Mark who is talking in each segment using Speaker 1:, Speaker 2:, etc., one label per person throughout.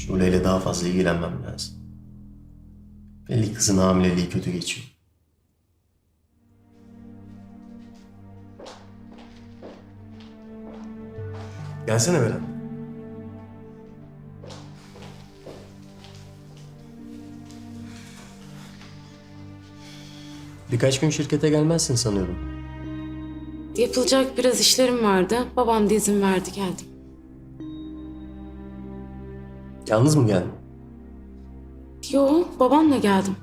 Speaker 1: Şule'yle daha fazla ilgilenmem lazım. Belli kızın hamileliği kötü geçiyor. Gelsene Beren. Birkaç gün şirkete gelmezsin sanıyordum.
Speaker 2: Yapılacak biraz işlerim vardı. Babam da izin verdi, geldim.
Speaker 1: Yalnız mı geldin?
Speaker 2: Yo, babamla geldim.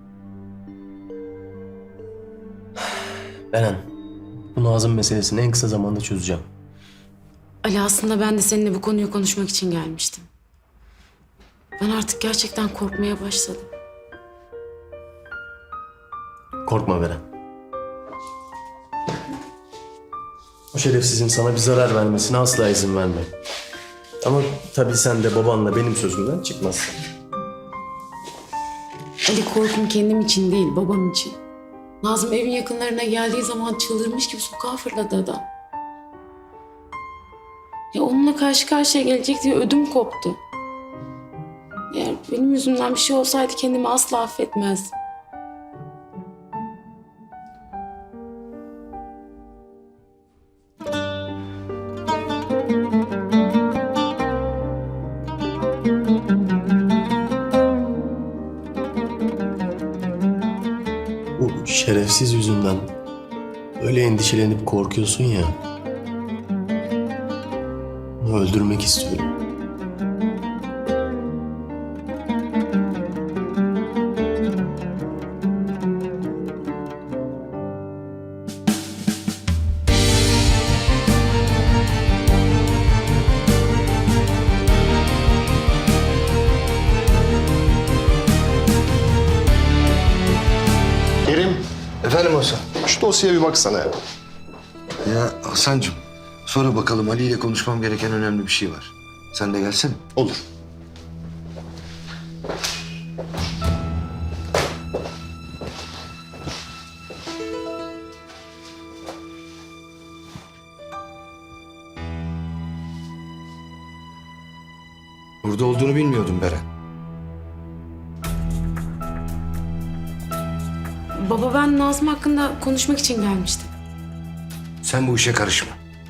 Speaker 1: Beren, bu Nazım meselesini en kısa zamanda çözeceğim.
Speaker 2: Ali, aslında ben de seninle bu konuyu konuşmak için gelmiştim. Ben artık gerçekten korkmaya başladım.
Speaker 1: Korkma Beren. O şerefsizin sana bir zarar vermesine asla izin verme. Ama tabii sen de babanla benim sözümden çıkmazsın.
Speaker 2: Ali, korkum kendim için değil, babam için. Nazım evin yakınlarına geldiği zaman çıldırmış gibi sokağa fırladı adam. Ya onunla karşı karşıya gelecek diye ödüm koptu. Eğer benim yüzümden bir şey olsaydı kendimi asla affetmezdim.
Speaker 1: Bu şerefsiz yüzünden öyle endişelenip korkuyorsun ya. Onu öldürmek istiyorum.
Speaker 3: Kerim,
Speaker 4: Efendim Hasan?
Speaker 3: şu dosyaya bir baksana ya.
Speaker 4: Ya Hasan'cığım, sonra bakalım, Ali ile konuşmam gereken önemli bir şey var. Sen de gelsene.
Speaker 3: Olur.
Speaker 4: Burada olduğunu bilmiyordum Beren.
Speaker 2: Baba, ben Nazım hakkında konuşmak için gelmiştim.
Speaker 4: Sen bu işe karışma.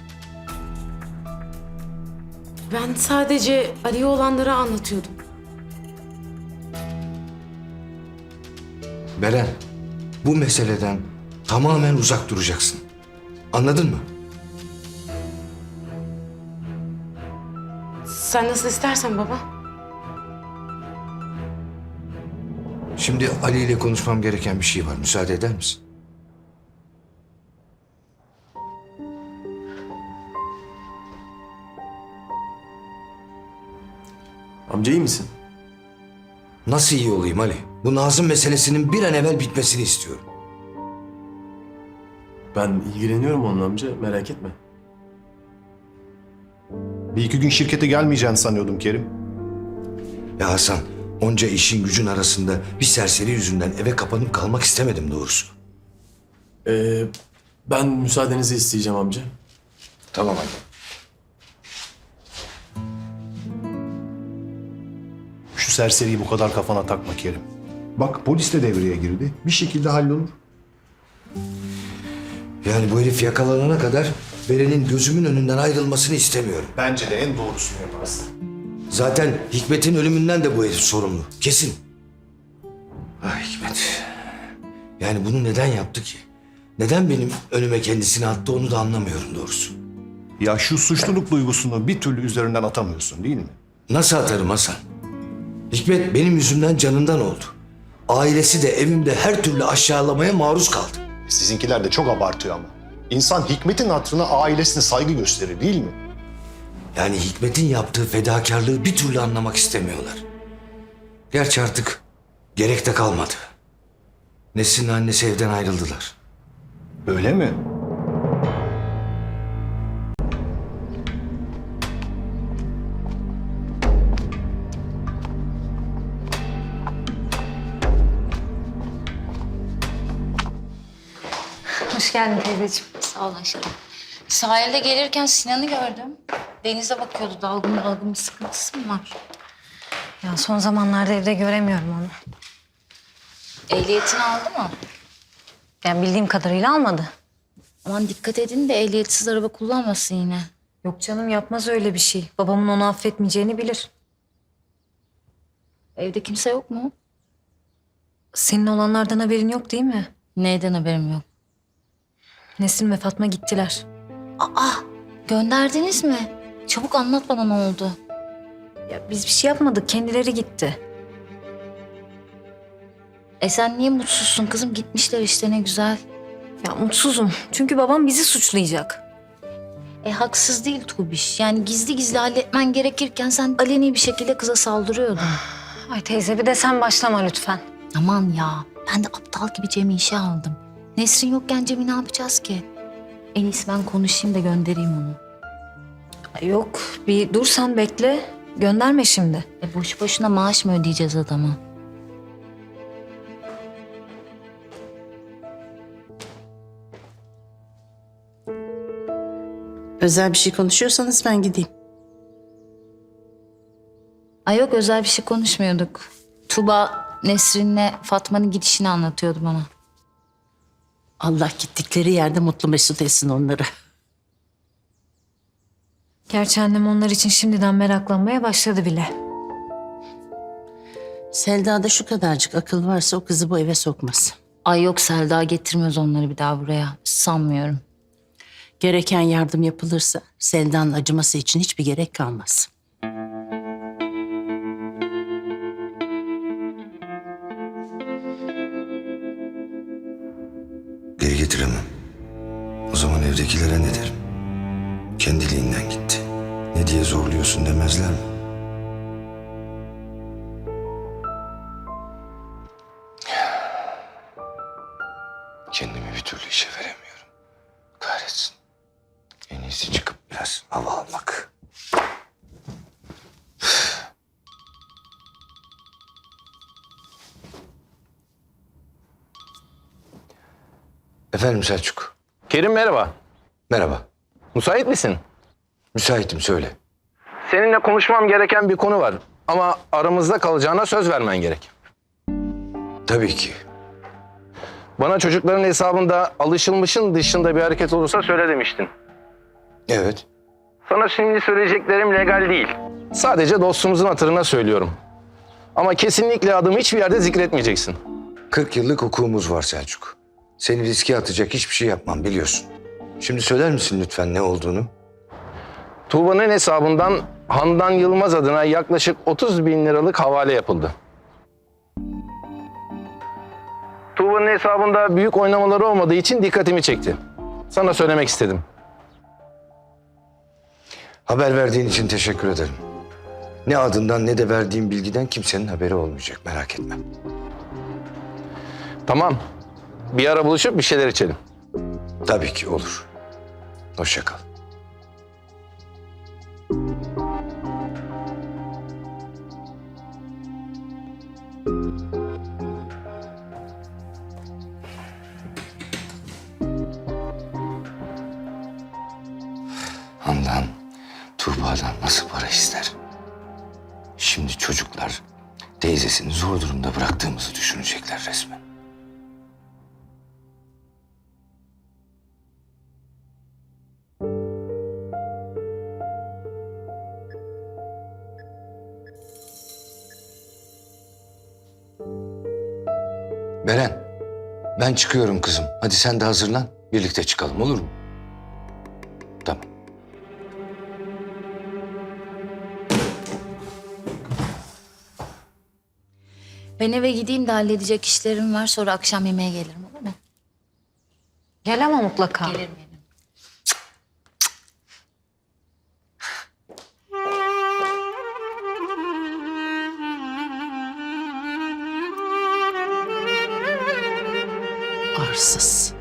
Speaker 2: Ben sadece Ali'ye olanları anlatıyordum.
Speaker 4: Beren, bu meseleden tamamen uzak duracaksın. Anladın mı?
Speaker 2: Sen nasıl istersen baba.
Speaker 4: Şimdi Ali ile konuşmam gereken bir şey var. Müsaade eder misin?
Speaker 1: Amca iyi misin?
Speaker 4: Nasıl iyi olayım Ali? Bu Nazım meselesinin bir an evvel bitmesini istiyorum.
Speaker 1: Ben ilgileniyorum onunla amca, merak etme.
Speaker 3: Bir iki gün şirkete gelmeyeceğini sanıyordum Kerim.
Speaker 4: Ya Hasan, onca işin gücün arasında bir serseri yüzünden eve kapanıp kalmak istemedim doğrusu.
Speaker 1: Ben müsaadenizi isteyeceğim amca.
Speaker 4: Tamam Ali.
Speaker 3: Şu serseriyi bu kadar kafana takma Kerim. Bak polis de devreye girdi. Bir şekilde hallolur.
Speaker 4: Yani bu herif yakalanana kadar Beren'in gözümün önünden ayrılmasını istemiyorum.
Speaker 3: Bence de en doğrusunu yaparsın.
Speaker 4: Zaten Hikmet'in ölümünden de bu herif sorumlu. Kesin. Ah Hikmet. Yani bunu neden yaptı ki? Neden benim önüme kendisini attı onu da anlamıyorum doğrusu.
Speaker 3: Ya şu suçluluk duygusunu bir türlü üzerinden atamıyorsun değil mi?
Speaker 4: Nasıl atarım Hasan? Hikmet benim yüzümden canından oldu. Ailesi de evimde her türlü aşağılamaya maruz kaldı.
Speaker 3: Sizinkiler de çok abartıyor ama. İnsan Hikmet'in hatırına ailesine saygı gösterir değil mi?
Speaker 4: Yani Hikmet'in yaptığı fedakarlığı bir türlü anlamak istemiyorlar. Gerçi artık gerek de kalmadı. Nesrin'le annesi evden ayrıldılar.
Speaker 3: Öyle mi?
Speaker 5: Hoş geldin teyzeciğim.
Speaker 6: Sağ ol aşkım. Sahilde gelirken Sinan'ı gördüm. Denize bakıyordu. Dalgın dalgın bir sıkıntısı mı var?
Speaker 5: Ya son zamanlarda evde göremiyorum onu.
Speaker 6: Ehliyetini aldı mı?
Speaker 5: Yani bildiğim kadarıyla almadı.
Speaker 6: Aman dikkat edin de ehliyetsiz araba kullanmasın yine.
Speaker 5: Yok canım, yapmaz öyle bir şey. Babamın onu affetmeyeceğini bilir.
Speaker 6: Evde kimse yok mu?
Speaker 5: Senin olanlardan haberin yok değil mi?
Speaker 6: Neyden haberim yok.
Speaker 5: Nesrin ve Fatma gittiler.
Speaker 6: Aa, gönderdiniz mi? Çabuk anlat bana ne oldu.
Speaker 5: Ya biz bir şey yapmadık, kendileri gitti.
Speaker 6: Sen niye mutsuzsun kızım? Gitmişler işte ne güzel.
Speaker 5: Ya mutsuzum çünkü babam bizi suçlayacak.
Speaker 6: Haksız değil Tuğbiş. Yani gizli gizli halletmen gerekirken sen aleni bir şekilde kıza saldırıyordun.
Speaker 5: Ay teyze, bir de sen başlama lütfen.
Speaker 6: Aman ya, ben de aptal gibi Cem'i işe aldım. Nesrin yokken Cem'i ne yapacağız ki? En iyisi ben konuşayım da göndereyim onu.
Speaker 5: Ay yok, bir dur sen bekle. Gönderme şimdi.
Speaker 6: Boşu boşuna maaş mı ödeyeceğiz adama?
Speaker 7: Özel bir şey konuşuyorsanız ben gideyim.
Speaker 6: Ay yok, özel bir şey konuşmuyorduk. Tuba Nesrin'le Fatma'nın gidişini anlatıyordu bana.
Speaker 7: Allah gittikleri yerde mutlu mesut etsin onları.
Speaker 5: Gerçi annem onlar için şimdiden meraklanmaya başladı bile.
Speaker 7: Selda'da şu kadarcık akıl varsa o kızı bu eve sokmaz.
Speaker 6: Ay yok, Selda getirmez onları bir daha buraya. Sanmıyorum.
Speaker 7: Gereken yardım yapılırsa Selda'nın acıması için hiçbir gerek kalmaz.
Speaker 4: Geri getiremem. O zaman evdekilere ne derim? Kendiliğinden gitti. Ne diye zorluyorsun demezler mi? Kendimi bir türlü işe veremiyorum. Kahretsin. En iyisi çıkıp biraz hava almak. Efendim Selçuk.
Speaker 8: Kerim merhaba.
Speaker 4: Merhaba.
Speaker 8: Müsait misin?
Speaker 4: Müsaitim, söyle.
Speaker 8: Seninle konuşmam gereken bir konu var. Ama aramızda kalacağına söz vermen gerek.
Speaker 4: Tabii ki.
Speaker 8: Bana çocukların hesabında alışılmışın dışında bir hareket olursa söyle demiştin.
Speaker 4: Evet.
Speaker 8: Sana şimdi söyleyeceklerim legal değil. Sadece dostumuzun hatırına söylüyorum. Ama kesinlikle adımı hiçbir yerde zikretmeyeceksin.
Speaker 4: 40 yıllık hukukumuz var Selçuk. Seni riske atacak hiçbir şey yapmam, biliyorsun. Şimdi söyler misin lütfen ne olduğunu?
Speaker 8: Tuğba'nın hesabından Handan Yılmaz adına yaklaşık 30 bin liralık havale yapıldı. Tuğba'nın hesabında büyük oynamaları olmadığı için dikkatimi çekti. Sana söylemek istedim.
Speaker 4: Haber verdiğin için teşekkür ederim. Ne adından ne de verdiğim bilgiden kimsenin haberi olmayacak, merak etme.
Speaker 8: Tamam. Bir ara buluşup bir şeyler içelim.
Speaker 4: Tabii ki olur. Hoşça kal. Handan Tuğba'dan nasıl para ister? Şimdi çocuklar teyzesini zor durumda bıraktığımızı düşünecekler resmen. Beren, ben çıkıyorum kızım. Hadi sen de hazırlan. Birlikte çıkalım, olur mu? Tamam.
Speaker 6: Ben eve gideyim de halledecek işlerim var. Sonra akşam yemeğe gelirim, olur mu?
Speaker 5: Gel ama mutlaka.
Speaker 6: Gelirim.
Speaker 7: Arsız.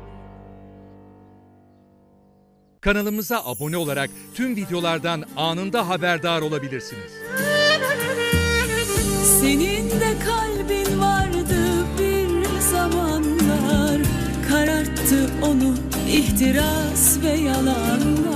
Speaker 9: Kanalımıza abone olarak tüm videolardan anında haberdar olabilirsiniz.
Speaker 10: Senin de kalbin vardı bir zamanlar, kararttı onu ihtiras ve yalanlar.